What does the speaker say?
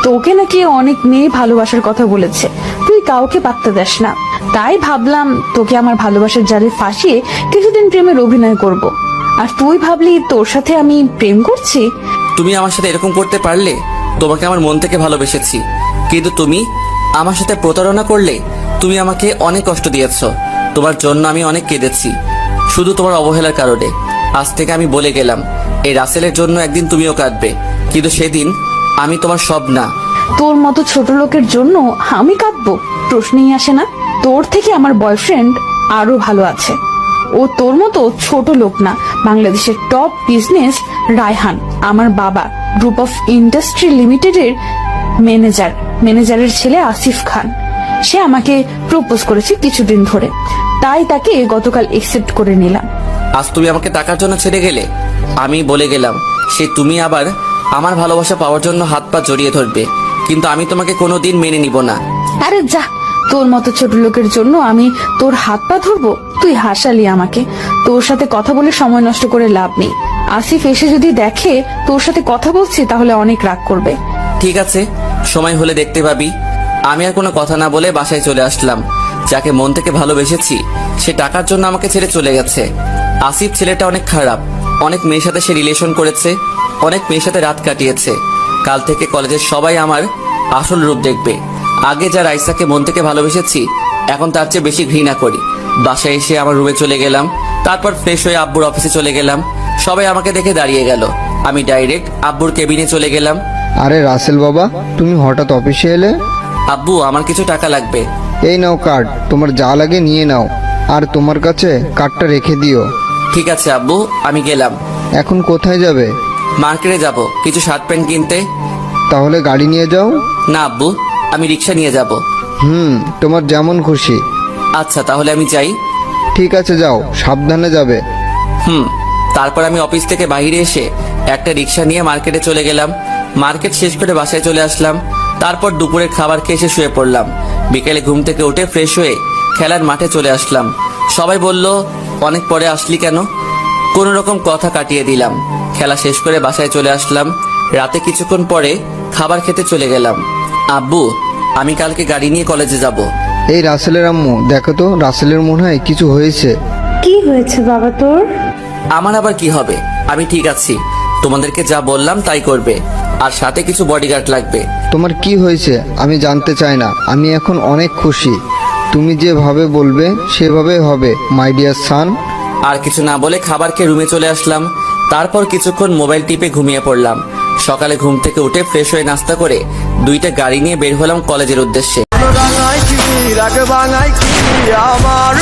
তোকে নাকি অনেক মেয়ে ভালোবাসার কথা বলেছে, তুই কাউকে পাত্তা দেস না। তাই ভাবলাম তোকে আমার ভালোবাসার জালে ফাঁসিয়ে কিছুদিন প্রেমের অভিনয় করব। আর তুই ভাবলি তোর সাথে আমি প্রেম করছি। তুমি আমার সাথে এরকম করতে পারলে? তোমাকে আমার মন থেকে ভালোবেসেছি, কিন্তু তুমি আমার সাথে প্রতারণা করলে। তুমি আমাকে অনেক কষ্ট দিয়েছো, তোমার জন্য আমি অনেক কেঁদেছি, শুধু তোমার অবহেলার কারণে। আজ থেকে আমি বলে গেলাম, এই রাসেলের জন্য একদিন তুমিও কাঁদবে, কিন্তু সেদিন আমি তোমার সব না। তোর মতো ছোট লোকের জন্য আমি কাঁদবো? প্রশ্নই আসে না। তোর থেকে আমার বয়ফ্রেন্ড আরো ভালো আছে। ও তোর মতো ছোট লোক না, বাংলাদেশের টপ বিজনেস রায়হান, আমার বাবা, গ্রুপ অফ ইন্ডাস্ট্রি লিমিটেডের ম্যানেজারের ছেলে আসিফ খান। সে আমাকে প্রপোজ করেছে কিছুদিন ধরে, তাই তাকে গতকাল একসেপ্ট করে নিলাম। আজ তুমি আমাকে টাকার জন্য ছেড়ে গেলে। আমি বলে গেলাম, সে তুমি আবার আমার ভালোবাসা পাওয়ার জন্য হাত পা জড়িয়ে ধরবে, কিন্তু আমি তোমাকে কোনোদিন মেনে নিব না। আরে যা, তোর মতো ছোট লোকের জন্য আমি তোর হাত পা ধরবো? তুই হাসালি আমাকে। তোর সাথে কথা বলে সময় নষ্ট করে লাভ নেই। আসিফ এসে যদি দেখে তোর সাথে কথা বলছি তাহলে অনেক রাগ করবে। ঠিক আছে, সময় হলে দেখতে পাবি। আমি আর কোনো কথা না বলে বাসায় চলে আসলাম। যাকে মন থেকে ভালোবেসেছি সে টাকার জন্য আমাকে ছেড়ে চলে গেছে। আসিফ ছেলেটা অনেক খারাপ, অনেক মেয়ের সাথে সে রিলেশন করেছে, অনেক মেয়ের সাথে রাত কাটিয়েছে। কাল থেকে কলেজের সবাই আমার আসল রূপ দেখবে। আগে যা রাইসাকে মন থেকে ভালোবেসেছি, এখন তার চেয়ে বেশি ঘৃণা করি। বাসায় এসে আমার রুমে চলে গেলাম, তারপর ফ্রেশ হয়ে আব্বুর অফিসে চলে গেলাম। সবাই আমাকে দেখে দাঁড়িয়ে গেল, আমি ডাইরেক্ট আব্বুর কেবিনে চলে গেলাম। আরে রাসেল বাবা, তুমি হঠাৎ অফিসে এলে? আব্বু, আমার কিছু টাকা লাগবে। এই নাও কার্ড, তোমার যা লাগে নিয়ে নাও, আর তোমার কাছে কার্ডটা রেখে দিও। ঠিক আছে আব্বু, আমি গেলাম। এখন কোথায় যাবে? মার্কেটে যাব কিছু শার্ট প্যান্ট কিনতে। তাহলে গাড়ি নিয়ে যাও। না আব্বু, আমি রিক্সা নিয়ে যাব। তোমার যেমন খুশি। আচ্ছা, তাহলে আমি যাই। ঠিক আছে, যাও, সাবধানে যাবে। তারপর আমি অফিস থেকে বাইরে এসে একটা রিক্সা নিয়ে মার্কেটে চলে গেলাম। মার্কেট শেষ করে বাসায় চলে আসলাম। তারপর দুপুরের খাবার খেয়ে এসে শুয়ে পড়লাম। বিকেলে ঘুম থেকে উঠে ফ্রেশ হয়ে খেলার মাঠে চলে আসলাম। সবাই বলল, অনেক পরে আসলি কেন? কোন রকম কথা কাটিয়ে দিলাম। খেলা শেষ করে বাসায় চলে আসলাম। রাতে কিছুক্ষণ পরে খাবার খেতে চলে গেলাম। আব্বু, আমি কালকে গাড়ি নিয়ে কলেজে যাব। এই রাসেলের আম্মু, দেখো তো, রাসেলের মনে হয় কিছু হয়েছে। কি হয়েছে বাবা তোর? আমার আবার কি হবে? আমি ঠিক আছি। তোমাদেরকে যা বললাম তাই করবে, আর সাথে কিছু বডিগার্ড লাগবে। তোমার কি হয়েছে আমি জানতে চাই না, আমি এখন অনেক খুশি। তুমি যেভাবে বলবে সেভাবে হবে, মাই ডিয়ার সান। আর কিছু না বলে খাবার খেয়ে রুমে চলে আসলাম। তারপর কিছুক্ষণ মোবাইল টিপে ঘুমিয়ে পড়লাম। সকালে ঘুম থেকে উঠে ফ্রেশ হয়ে নাস্তা করে দুইটা গাড়ি নিয়ে বের হলাম কলেজের উদ্দেশ্যে। আমার